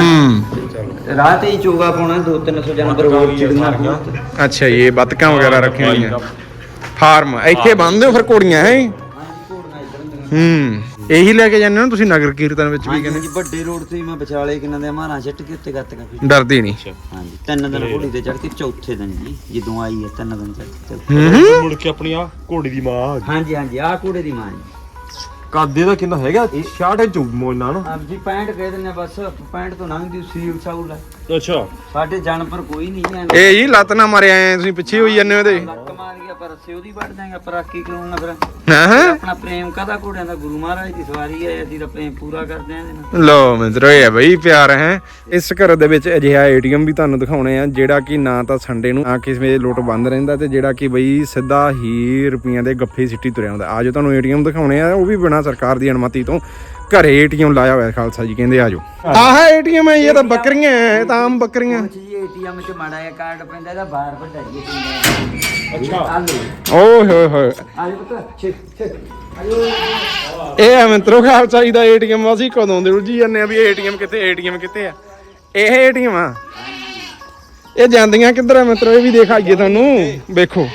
S1: ਹੂੰ
S2: ਰਾਹ ਤੇ ਹੀ ਚੋਗਾ ਪਾਉਣਾ ਦੋ ਤਿੰਨ ਸੌ ਜਾਨਵਰ ਹੋਰ ਚਿੜੀਆਂ ਕਬੂਤਰ
S1: ਅੱਛਾ ਇਹ ਬਤਕਾਂ ਵਗੈਰਾ ਰੱਖੀਆਂ ਹੋਈਆਂ ਫਾਰਮ ਇੱਥੇ ਬੰਨਦੇ ਹੋ ਫਿਰ ਘੋੜੀਆਂ ਹੈ
S2: ਹਾਂਜੀ ਘੋੜੀਆਂ ਇੱਧਰ ਹੁੰਦੀਆਂ
S1: ਹੂੰ ਇਹੀ ਲੈ ਕੇ ਜਾਂਦੇ ਹੋ ਨਾ ਤੁਸੀਂ ਨਗਰ ਕੀਰਤਨ ਵਿੱਚ ਵੀ ਕਹਿੰਦੇ
S2: ਹਾਂਜੀ ਵੱਡੇ ਰੋਡ ਤੇ ਹੀ ਮੈਂ ਵਿਚਾਲੇ ਕਿਨਾਂ ਦੇ ਮਾਰਾਂ ਛੱਟ ਕੇ ਉੱਤੇ ਗੱਤ ਕਰ
S1: ਡਰਦੀ ਨਹੀਂ
S2: ਹਾਂਜੀ ਤਿੰਨ ਦਿਨ ਘੋੜੀ ਤੇ ਚੜ ਕੇ ਚੌਥੇ ਦਿਨ ਜੀ ਜਦੋਂ ਆਈ ਹੈ ਤਿੰਨ ਦਿਨ ਚੜ ਕੇ
S1: ਹੂੰ
S3: ਮੁੜ ਕੇ ਆਪਣੀ ਆ ਘੋੜੀ ਦੀ ਮਾਂ ਆ ਗਈ
S2: ਹਾਂਜੀ ਹਾਂਜੀ ਆਹ ਘੋੜੇ ਦੀ ਮਾਂ ਜੀ
S3: ਕਾਦੇ ਦਾ ਕਿੰਨਾ ਹੈਗਾ ਛਿਆਹਠ ਇੰਚ ਮੋਨਾ ਨਾ
S2: ਆਪ ਜੀ ਪੈਂਹਠ ਕਹਿ ਦਿੰਦੇ ਆ ਬਸ ਪੈਂਹਠ ਤੋਂ ਲੰਘਦੀ ਸੀਲ ਸਾਊਲ ਹੈ
S3: ਅੱਛਾ
S2: ਸਾਡੇ ਜਾਨਵਰ ਕੋਈ ਨਹੀਂ ਹੈ
S1: ਇਹ ਜੀ ਲੱਤ ਨਾ ਮਾਰਿਆ ਐ ਤੁਸੀਂ ਪਿੱਛੇ ਹੋਈ ਜਾਂਦੇ ਹੋ ਇਹਦੇ
S2: ਲੱਕ ਮਾਰ ਗਿਆ ਪਰ ਅਸੀਂ ਉਹਦੀ ਵੱਢ ਦਾਂਗੇ ਪਰ ਆਕੀ ਕਰੂੰਗਾ ਫਿਰ
S1: ਹਾਂ ਹਾਂ
S2: ਆਪਣਾ ਪ੍ਰੇਮ ਕਾਹਦਾ ਘੋੜਿਆਂ ਦਾ ਗੁਰੂ ਮਹਾਰਾਜ ਦੀ ਸਵਾਰੀ ਹੈ ਅਸੀਂ ਤਾਂ ਪ੍ਰੇਮ ਪੂਰਾ ਕਰਦੇ ਆਂ ਇਹਦੇ ਨਾਲ
S1: ਲੋ ਮਿੱਤਰੋ ਇਹ ਹੈ ਬਈ ਪਿਆਰ ਹੈ ਇਸ ਘਰ ਦੇ ਵਿੱਚ ਅਜਿਹਾ ਏਟੀਐਮ ਵੀ ਤੁਹਾਨੂੰ ਦਿਖਾਉਣੇ ਆ ਜਿਹੜਾ ਕਿ ਨਾ ਤਾਂ ਸੰਡੇ ਨੂੰ ਆ ਕਿਸੇ ਵੇਲੇ ਲੋਟ ਬੰਦ ਰਹਿੰਦਾ ਤੇ ਜਿਹੜਾ ਕਿ ਬਈ ਸਿੱਧਾ ਹੀ ਰੁਪਈਆਂ ਦੇ ਗੱਫੇ ਸਿੱਟੀ ਤੁਰਿਆ ਹੁੰਦਾ ਆਜੋ ਤੁਹਾਨੂੰ ਏਟੀਐਮ ਦਿਖਾਉਣੇ ਆ ਉਹ ਵੀ ਬਿਨਾਂ ਸਰਕਾਰ ਦੀ ਅਨੁਮਤੀ ਤੋਂ ਘਰੇ ਏਟੀਐਮ ਲਾਇਆ ਹੋਇਆ ਖਾਲਸਾ ਜੀ ਕਹਿੰਦੇ ਆਜੋ ਆਹ ਏਟੀਐਮ ਹੈ ਇਹ ਤਾਂ ਬੱਕਰੀਆਂ ਹੈ ਇਹ ਤਾਂ ਆਮ ਬੱਕਰੀਆਂ
S2: ਕੁਛ ਜੀ ਏਟੀਐਮ 'ਚ ਮਾੜਾ ਜਿਹਾ ਕਾਰਡ ਪੈਂਦਾ ਇਹਦਾ ਬਾਹਰ ਵੱਢਾਈਏ ਪੈਂਦਾ।
S3: ਅੱਛਾ।
S2: ਆ ਲਓ
S1: ਓਏ ਹੋਏ ਹੋਏ
S2: ਆ ਜੀ ਪੁੱਤ ਛੇ ਛੇ ਆਇਓ।
S1: ਇਹ ਆ ਮਿੱਤਰੋ ਖਾਲ ਚਾਹੀਦਾ ਏਟੀਐਮ ਅਸੀਂ ਕਦੋਂ ਦੇ ਉਲਝੀ ਜਾਂਦੇ ਆ ਵੀ ਏਟੀਐਮ ਕਿੱਥੇ ਏਟੀਐਮ ਕਿੱਥੇ ਆ। ਇਹ ਏਟੀਐਮ ਆ ਇਹ ਜਾਂਦੀਆਂ ਕਿੱਧਰ ਆ ਮਿੱਤਰੋ ਇਹ ਵੀ ਦਿਖਾਈਏ ਤੁਹਾਨੂੰ ਵੇਖੋ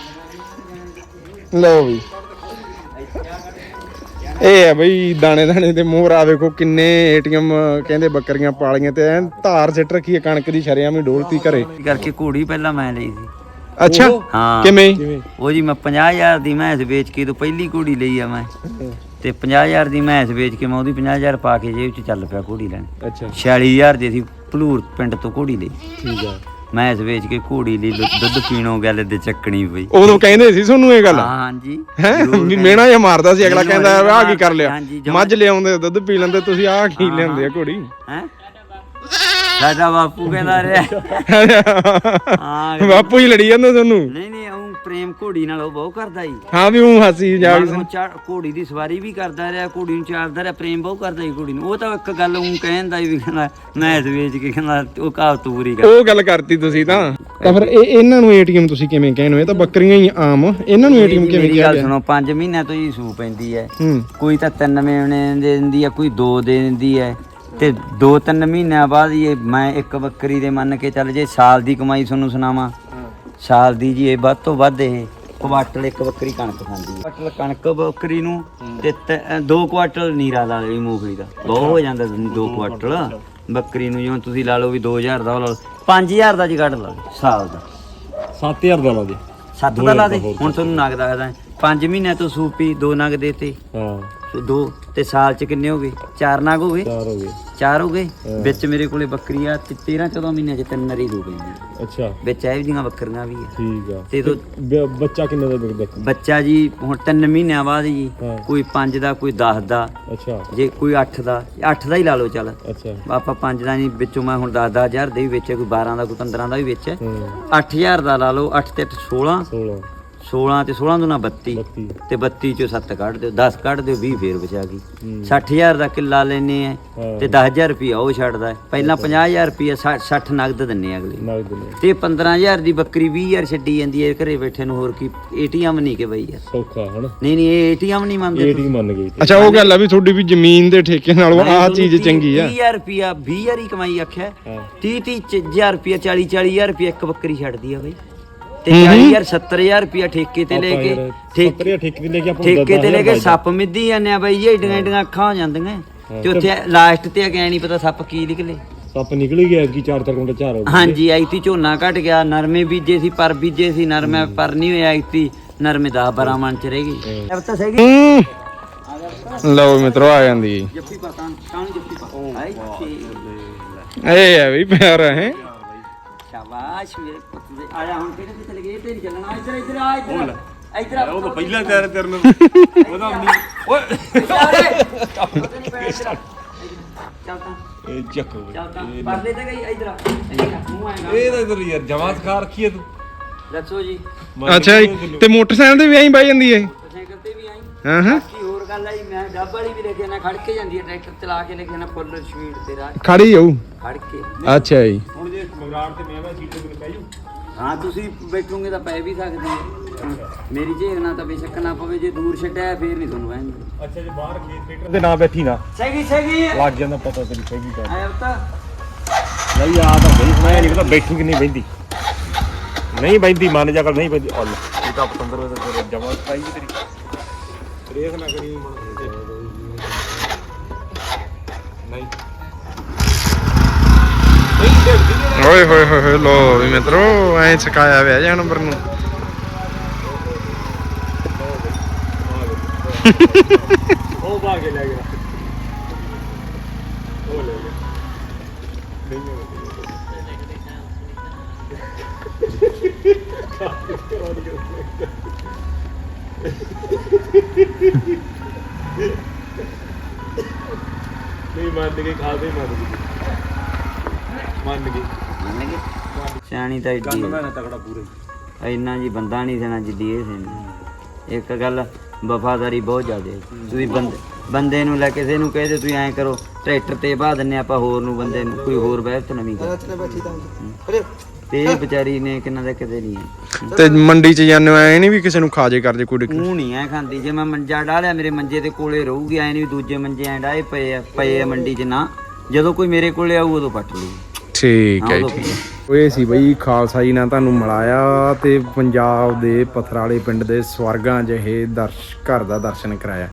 S1: ਲਓ ਵੀ ਇਹ ਆ ਬਈ ਦਾਣੇ ਦਾਣੇ ਦੇ ਮੋਹਰ ਆ ਵੇਖੋ ਕਿੰਨੇ ਏਟੀਐਮ ਕਹਿੰਦੇ ਬੱਕਰੀਆਂ ਪਾਲੀਆਂ ਤੇ ਐਨ ਧਾਰ ਸਿੱਟ ਰੱਖੀ ਹੈ ਕਣਕ ਦੀ ਸ਼ਰਿਆਮ ਹੀ ਡੋਲਤੀ ਘਰੇ
S2: ਕਰਕੇ ਘੋੜੀ ਪਹਿਲਾਂ ਮੈਂ ਲਈ ਸੀ।
S1: ਅੱਛਾ
S2: ਹਾਂ
S1: ਕਿਵੇਂ
S2: ਉਹ ਜੀ ਮੈਂ ਪੰਜਾਹ ਹਜ਼ਾਰ ਦੀ ਮੈਂਸ ਵੇਚ ਕੇ ਤੋਂ ਪਹਿਲੀ ਘੋੜੀ ਲਈ ਆ ਮੈਂ ਤੇ ਪੰਜਾਹ ਹਜ਼ਾਰ ਦੀ ਮੈਂਸ ਵੇਚ ਕੇ ਮੈਂ ਉਹਦੀ ਪੰਜਾਹ ਹਜ਼ਾਰ ਪਾ ਕੇ ਜੇਬ 'ਚ ਚੱਲ ਪਿਆ ਘੋੜੀ ਲੈਣ।
S1: ਅੱਛਾ
S2: ਛਿਆਲੀ ਹਜ਼ਾਰ ਦੀ ਸੀ ਭਲੂਰ ਪਿੰਡ ਤੋਂ ਘੋੜੀ ਲਈ।
S1: ਠੀਕ ਆ
S2: ਮੈਂਸ ਵੇਚ ਕੇ ਘੋੜੀ ਲਈ ਲੁ- ਦੁੱਧ ਪੀਣੋਂ ਗੱਲ ਦੇ ਚੱਕਣੀ ਪਈ।
S1: ਉਦੋਂ ਕਹਿੰਦੇ ਸੀ ਤੁਹਾਨੂੰ ਇਹ ਗੱਲ
S2: ਹਾਂ ਹਾਂਜੀ
S1: ਹੈ
S2: ਜ਼ਰੂਰ
S1: ਵੀ
S2: ਕਹਿੰਦੇ।
S1: ਮੇਣਾ ਜਿਹਾ ਮਾਰਦਾ ਸੀ ਅਗਲਾ
S2: ਮੈਨੂੰ
S1: ਕਹਿੰਦਾ
S2: ਅਗਲਾ
S1: ਆਹ ਕੀ ਕਰ ਲਿਆ
S2: ਹਾਂਜੀ, ਜਮਾਂ-
S1: ਮੱਝ ਲਿਆਉਂਦੇ ਦੁੱਧ ਪੀ ਲੈਂਦੇ ਤੁਸੀਂ ਆਹ ਕੀ
S2: ਹਾਂ,
S1: ਲਿਆਉਂਦੇ ਆ ਘੋੜੀ
S2: ਹੈਂ ਸਾਡਾ ਬਾਪੂ ਕਹਿੰਦਾ ਰਿਹਾ ਹਾਂ
S1: ਬਾਪੂ ਹੀ ਲੜੀ ਜਾਂਦਾ ਤੁਹਾਨੂੰ
S2: ਨਹੀਂ ਨਹੀਂ ਉਹ ਪ੍ਰੇਮ ਘੋੜੀ ਨਾਲ ਉਹ ਬਹੁਤ ਕਰਦਾ ਸੀ।
S1: ਹਾਂ ਵੀ ਉਹ ਹਾਸੀ ਜਾ
S2: ਮਗਰੋਂ ਚਾ- ਘੋੜੀ ਦੀ ਸਵਾਰੀ ਵੀ ਕਰਦਾ ਰਿਹਾ ਘੋੜੀ ਨੂੰ ਚਾਰਦਾ ਰਿਹਾ ਪ੍ਰੇਮ ਬਹੁਤ ਕਰਦਾ ਸੀ ਘੋੜੀ ਨੂੰ। ਉਹ ਤਾਂ ਇੱਕ ਗੱਲ ਉਹ ਕਹਿੰਦਾ ਵੀ ਕਹਿੰਦਾ ਮੈਸ ਵੇਚ ਕੇ ਕਹਿੰਦਾ ਉਹ ਕਹਾਵਤ ਪੂਰੀ ਕਰ।
S1: ਉਹ ਗੱਲ ਕਰਤੀ ਤੁਸੀਂ ਤਾਂ ਤਾਂ ਫਿਰ ਇਹ ਇਹਨਾਂ ਨੂੰ ਏਟੀਐਮ ਤੁਸੀਂ ਕਿਵੇਂ ਕਹਿੰਦੇ ਹੋ ਇਹ ਤਾਂ ਬੱਕਰੀਆਂ ਹੀ ਆਮ ਇਹਨਾਂ ਨੂੰ ਏਟੀਐਮ ਕਿਵੇਂ
S2: ਮੇਰੀ
S1: ਕਿਹਾ
S2: ਗੱਲ
S1: ਗਿਆ
S2: ਸੁਣੋ ਪੰਜ ਮਹੀਨਿਆਂ ਤੋਂ ਹੀ ਸੂ ਪੈਂਦੀ ਹੈ।
S1: ਹੂੰ
S2: ਕੋਈ ਤਾਂ ਤਿੰਨ ਮਹੀਨੇ ਦੇ ਦਿੰਦੀ ਹੈ ਕੋਈ ਦੋ ਦੇ ਦਿੰਦੀ ਹੈ ਤੇ ਦੋ ਤਿੰਨ ਮਹੀਨਿਆਂ ਬਾਅਦ ਇਹ ਮੈਂ ਇੱਕ ਬੱਕਰੀ ਦੇ ਮੰਨ ਕੇ ਚੱਲ ਜੇ ਸਾਲ ਦੀ ਕਮਾਈ ਤੁਹਾਨੂੰ ਸੁਣਾਵਾਂ ਸਾਲ ਦੀ ਜੀ ਇਹ ਵੱਧ ਤੋਂ ਵੱਧ ਇਹ ਕੁਆਟਲ ਇੱਕ ਬੱਕਰੀ ਕਣਕ ਖਾਂਦੀ ਹੈ। ਕੁਆਟਲ ਕਣਕ ਬੱਕਰੀ ਨੂੰ ਤੇ ਤ- ਦੋ ਕੁਆਟਲ ਨੀਰਾ ਲਾ ਲਈ ਮੂੰਗਫਲੀ ਦਾ ਬਹੁਤ ਹੋ ਜਾਂਦਾ ਦੋ ਕੁਆਟਲ ਬੱਕਰੀ ਨੂੰ। ਜਿਵੇਂ ਤੁਸੀਂ ਲਾ ਲਓ ਵੀ ਦੋ ਹਜ਼ਾਰ ਦਾ ਲਾ ਲਓ ਪੰਜ ਹਜ਼ਾਰ ਦਾ ਜੀ ਕੱਢ ਲਾ ਲਓ ਸਾਲ ਦਾ
S3: ਸੱਤ ਹਜ਼ਾਰ ਦਾ ਲਾ ਦੇ।
S2: ਸੱਤ ਦਾ ਲਾ ਦੇ ਹੁਣ ਤੁਹਾਨੂੰ ਨਗ ਦੱਸਦਾ ਪੰਜ ਮਹੀਨਿਆਂ ਤੋਂ ਸੂਪੀ ਦੋ ਨਗ ਦੇਤੇ
S3: ਹਾਂ
S2: ਦੋ ਤੇ ਸਾਲ ਚ ਕਿੰਨੇ ਹੋ ਗਏ ਚਾਰ ਨਗ ਹੋ ਗਏ
S3: ਚਾਰ ਹੋ ਗਏ।
S2: ਚਾਰ ਹੋ ਗਏ ਵਿੱਚ ਮੇਰੇ ਕੋਲੇ ਬੱਕਰੀ ਆ ਤੇ ਤੇਰਾਂ ਚੌਦਾਂ ਮਹੀਨਿਆਂ ਚ ਤਿੰਨ ਨਰੀ ਹੋ ਗਈ
S3: ਅੱਛਾ
S2: ਵਿੱਚ ਇਹੋ ਜਿਹੀਆਂ ਬੱਕਰੀਆਂ ਵੀ ਆ
S3: ਠੀਕ ਆ
S2: ਤੇ ਦੋ
S3: ਬ- ਬੱਚਾ ਕਿੰਨੇ ਦਾ ਵਿਕਦਾ?
S2: ਬੱਚਾ ਜੀ ਹੁਣ ਤਿੰਨ ਮਹੀਨਿਆਂ ਬਾਅਦ ਜੀ
S3: ਹਾਂ।
S2: ਕੋਈ ਪੰਜ ਦਾ ਕੋਈ ਦਸ ਦਾ
S3: ਅੱਛਾ
S2: ਜੇ ਕੋਈ ਅੱਠ ਦਾ ਅੱਠ ਦਾ ਹੀ ਲਾ ਲਓ ਚੱਲ
S3: ਅੱਛਾ
S2: ਆਪਾਂ ਪੰਜ ਦਾ ਨਹੀਂ ਵਿੱਚੋਂ ਮੈਂ ਹੁਣ ਦਸ ਦਸ ਹਜ਼ਾਰ ਦੇ ਵੀ ਵਿੱਚ ਕੋਈ ਬਾਰਾਂ ਦਾ ਕੋਈ ਪੰਦਰਾਂ ਦਾ ਵੀ ਵਿੱਚ
S3: ਹੂੰ
S2: ਅੱਠ ਹਜ਼ਾਰ ਦਾ ਲਾ ਲਓ ਅੱਠ ਤੇ ਅੱਠ ਸੋਲਾਂ
S3: ਸੋਲਾਂ
S2: ਸੋਲਾਂ ਤੇ ਸੋਲਾਂ ਦੂਣਾ ਬੱਤੀ
S3: ਬੱਤੀ
S2: ਤੇ ਬੱਤੀ ਚੋਂ ਸੱਤ ਕੱਢ ਦਿਓ ਦਸ ਕੱਢ ਦਿਓ ਵੀਹ ਫੇਰ ਬਚਾ ਗਈ
S3: ਹੂੰ।
S2: ਸੱਠ ਹਜ਼ਾਰ ਦਾ ਕਿੱਲਾ ਲੈਨੇ ਆ
S3: ਹਾਂ।
S2: ਤੇ ਦਸ ਹਜ਼ਾਰ ਰੁਪਿਆ ਉਹ ਛੱਡਦਾ ਹੈ। ਪਹਿਲਾਂ ਪੰਜਾਹ ਹਜ਼ਾਰ ਰੁਪਿਆ ਸੱਠ ਨਗਦ ਦਿੰਨੇ ਆ ਅਗਲੇ ਨੂੰ।
S3: ਨਗਦ ਨੇ
S2: ਤੇ ਪੰਦਰਾਂ ਹਜ਼ਾਰ ਦੀ ਬੱਕਰੀ ਵੀਹ ਹਜ਼ਾਰ ਛੱਡੀ ਜਾਂਦੀ ਹੈ ਘਰੇ ਬੈਠੇ ਨੂੰ। ਹੋਰ ਕੀ ਏਟੀਐਮ ਨਹੀਂ ਕਿ ਬਈ ਯਾਰ
S3: ਸੌਖਾ ਹਨਾ
S2: ਨਹੀਂ ਨਹੀਂ ਇਹ ਏਟੀਐਮ ਨਹੀਂ ਮੰਨਦੇ
S3: ਏਟੀ ਮੰਨ ਗਈ ਤੇ
S1: ਅੱਛਾ ਉਹ ਗੱਲ ਆ ਵੀ ਤੁਹਾਡੀ ਵੀ ਜ਼ਮੀਨ ਦੇ ਠੇਕੇ ਨਾਲੋਂ ਆਹ ਚੀਜ਼ ਚੰਗੀ ਆ
S2: ਵੀਹ ਹਜ਼ਾਰ ਰੁਪਿਆ ਵੀਹ ਹਜ਼ਾਰ ਹੀ ਕਮਾਈ ਆਖਿਆ
S3: ਹਾਂ
S2: ਤੀਹ ਤੀਹ ਹਜ਼ਾਰ ਰੁਪਿਆ ਚਾਲੀ ਚਾਲੀ ਹਜ਼ਾਰ ਰੁਪਿਆ ਇੱਕ ਬੱਕਰੀ ਛੱਡਦੀ ਆ ਬਈ ਤੇ ਚਾਲੀ ਹਜ਼ਾਰ ਸੱਤਰ ਹਜ਼ਾਰ ਰੁਪਿਆ ਠੇਕੇ ਤੇ ਲੈ ਕੇ ਠੇਕੇ
S3: ਠੇਕੇ ਠੇਕੇ ਤੇ ਲੈ ਕੇ ਆਪਾਂ
S2: ਠੇਕੇ ਤੇ ਲੈ ਕੇ ਸੱਪ ਮਿੱਧੀ ਜਾਂਦੇ ਆ ਬਾਈ ਜੀ ਏਡੀਆਂ ਏਡੀਆਂ ਅੱਖਾਂ ਹੋ ਜਾਂਦੀਆਂ ਤੇ ਉੱਥੇ ਲਾਸਟ ਤੇ ਗਿਆ ਨਹੀਂ ਪਤਾ ਸੱਪ ਕੀ ਨਿਕਲੇ।
S3: ਸੱਪ ਨਿਕਲ ਹੀ ਗਿਆ ਕਿ ਚਾਰ ਚਾਰ ਕੁੰਟਲ ਝਾਰ ਹੋ ਗਏ।
S2: ਹਾਂਜੀ ਐਤੀ ਝੋਨਾ ਘਟ ਗਿਆ ਨਰਮੇ ਬੀਜੇ ਸੀ ਪਰ ਬੀਜੇ ਸੀ ਨਰਮੇ ਪਰ ਨਹੀਂ ਹੋਇਆ ਐਤੀ ਨਰਮੇ ਦਸ ਬਾਰਾਂ ਮਣ ਚ ਰਹਿ ਗਈ। ਇਹ ਤਾਂ ਸਹੀ
S1: ਹੂੰ ਲਓ ਮਿੱਤਰੋ ਆ ਜਾਂਦੀ
S2: ਜੱਫੀ ਪਾ ਕਾਣ ਕਾਣ ਜੱਫੀ ਪਾ ਆਈ
S1: ਇਹ ਆ ਵੀ ਪਿਆਰ ਹੈ
S2: ਸ਼ਾਬਾਸ਼ ਮੇਰੇ ਪੁੱਤ ਦੇ ਆ ਜਾ ਹੁਣ ਕਿਹੜੇ ਤੇ ਚਲੇ ਗਏ ਤੇ ਨਹੀਂ ਚੱਲਣਾ ਇੱਧਰ ਇੱਧਰ ਆ ਇੱਧਰ ਇੱਧਰ ਆ
S3: ਉਹ ਤਾਂ ਪਹਿਲਾਂ ਤਿਆਰ ਤੇਰੇ ਨੂੰ ਉਹਦਾ ਨਹੀਂ ਓਏ
S2: ਚੱਲ ਤਾਂ
S3: ਇਹ ਚੱਕ
S2: ਚੱਲ ਤਾਂ ਪਰਲੇ ਤੇ ਗਈ ਇੱਧਰ ਆ ਇੱਧਰ ਆ, ਮੂੰਹ ਆਏਗਾ
S3: ਇਹ ਤਾਂ ਇਧਰ ਯਾਰ ਜਮਾਤ ਖਾ ਰੱਖੀ ਹੈ ਤੂੰ
S2: ਦੱਸੋ ਜੀ
S1: ਅੱਛਾ ਜੀ ਤੇ ਮੋਟਰਸਾਈਕਲ ਤੇ ਵੀ ਐਂ ਬਾਈ ਜਾਂਦੀ ਹੈ
S2: ਸਾਈਕਲ ਤੇ ਵੀ ਆਈ
S1: ਹਾਂ ਹਾਂ
S2: ਬਾਕੀ ਹੋਰ ਗੱਲ ਆਈ ਮੈਂ ਡੱਬ ਵਾਲੀ ਵੀ ਲੈ ਕੇ ਨਾ ਖੜ ਕੇ ਜਾਂਦੀ ਹੈ ਟਰੈਕਟਰ ਚਲਾ ਕੇ ਲੈ ਕੇ ਨਾ ਫੁੱਲ ਸਪੀਡ ਤੇ ਰਾਹ
S1: ਖੜੀ ਜਾਊ
S2: ਖੜ ਕੇ
S1: ਅੱਛਾ ਜੀ
S3: ਹੁਣ ਜੇ ਮਗਰਾੜ ਤੇ ਮੈਂ ਮੈਂ ਸੀਟ ਤੇ ਮੈਨੂੰ ਪੈ ਜੂ
S2: ਹਾਂ ਤੁਸੀਂ ਬੈਠੋਗੇ ਤਾਂ ਪੈ ਵੀ ਸਕਦੇ ਹੋ ਮੇਰੀ ਝੇਲ ਨਾ ਤਾਂ ਬੇਸ਼ੱਕ ਨਾ ਪਵੇ ਜੇ ਦੂਰ ਛੱਡਿਆ ਫੇਰ ਨਹੀਂ ਤੁਹਾਨੂੰ ਵਹਿੰਦੇ
S3: ਅੱਛਾ ਜੇ ਬਾਹਰ ਖੇਤ ਟਰੈਕਟਰ ਦੇ ਨਾਂ ਬੈਠੀ ਨਾ
S2: ਸਹੀ ਸਹੀ
S3: ਲੱਗ ਜਾਂਦਾ ਪਤਾ ਤੈਨੂੰ ਸਹੀ ਗੱਲ
S2: ਆਇਆ ਤਾਂ
S3: ਨਹੀਂ ਆ ਤਾਂ ਬਈ ਮੈਂ ਨਹੀਂ ਪਤਾ ਬੈਠੂ ਕਿ ਨਹੀਂ ਬੈਂਦੀ ਨਹੀਂ ਬੈਂਦੀ ਮੰਨ ਜਾ ਕਰ ਨਹੀਂ ਬੈਂਦੀ ਅੱਲ ਇਹ ਤਾਂ ਪਤੰਦਰ ਵੇ ਤੇ ਜਮਾਤ ਪਾਈ ਤੇਰੀ ਰੇਖ ਨਾ ਕਰੀ ਨਹੀਂ
S1: ਓਏ ਹੋਏ ਹੋਏ ਹੋਏ ਲੋ ਵੀ ਮਿੱਤਰੋ ਐਂ ਸਿਖਾਇਆ ਹੋਇਆ ਜਾਨਵਰ ਨੂੰ
S3: ਉਹ ਬਾਹਰ ਕੇ ਲੈ ਗਿਆ ਉਹ ਲੈ ਗਿਆ ਨਹੀਂ ਮੰਨ ਗਈ ਖਾਦੇ ਮੰਨ ਗਈ ਮੰਨ ਗਈ
S2: ਮੰਨ ਗਏ ਸਿਆਣੀ ਤਾਂ ਏਡੀ
S3: ਮੈਂ ਨਾ ਤਕੜਾ ਪੂਰੇ
S2: ਇੰਨਾ ਜੀ ਬੰਦਾ ਨਹੀਂ ਦੇਣਾ ਜਿੱਦੀ ਇਹ ਸੀ ਇੱਕ ਗੱਲ ਵਫਾਦਾਰੀ ਬਹੁਤ ਜ਼ਿਆਦਾ ਹੈ। ਤੁਸੀਂ ਬੰਦੇ ਬੰਦੇ ਨੂੰ ਲੈ ਕਿਸੇ ਨੂੰ ਕਹਦੇ ਤੁਸੀਂ ਐਂ ਕਰੋ ਟਰੈਕਟਰ ਤੇ ਬਾਹ ਦਿੰਨੇ ਆਪਾਂ ਹੋਰ ਨੂੰ ਬੰਦੇ ਨੂੰ ਕੋਈ ਹੋਰ ਵਹਿਬਤ ਨਵੀਂ ਕਰ ਤੇ ਇਹ ਵਿਚਾਰੀ ਨੇ ਕਿੰਨਾ ਦਾ ਕਿਤੇ ਨਹੀਂ ਹੈ।
S1: ਤੇ ਮੰਡੀ 'ਚ ਜਾਂਦੇ ਐ ਨਹੀਂ ਵੀ ਕਿਸੇ ਨੂੰ ਖਾ ਜੇ ਕਰ ਜੇ ਕੋਈ ਦਿੱਕਤ?
S2: ਉਹ ਨਹੀਂ ਐ ਖਾਂਦੀ ਜੇ ਮੈਂ ਮੰਜਾ ਡਾਲਿਆ ਮੇਰੇ ਮੰਜੇ ਦੇ ਕੋਲੇ ਰਹੂਗੀ ਐ ਨਹੀਂ ਦੂਜੇ ਮੰਜੇ ਐ ਡਾਏ ਪਏ ਆ ਪਏ ਆ ਮੰਡੀ 'ਚ ਨਾ ਜਦੋਂ ਕੋਈ ਮੇਰੇ ਕੋਲੇ ਆਊ ਉਦੋਂ ਪੱਟ ਲੂ।
S1: ਠੀਕ ਹੈ ਜੀ। ਇਹ ਸੀ ਬਈ ਖਾਲਸਾ ਜੀ ਨਾਲ ਤੁਹਾਨੂੰ ਮਿਲਾਇਆ ਤੇ ਪੰਜਾਬ ਦੇ ਪਥਰਾਲੇ ਪਿੰਡ ਦੇ ਸਵਰਗਾਂ ਜਿਹੇ ਦਰਸ਼ ਘਰ ਦਾ ਦਰਸ਼ਨ ਕਰਾਇਆ।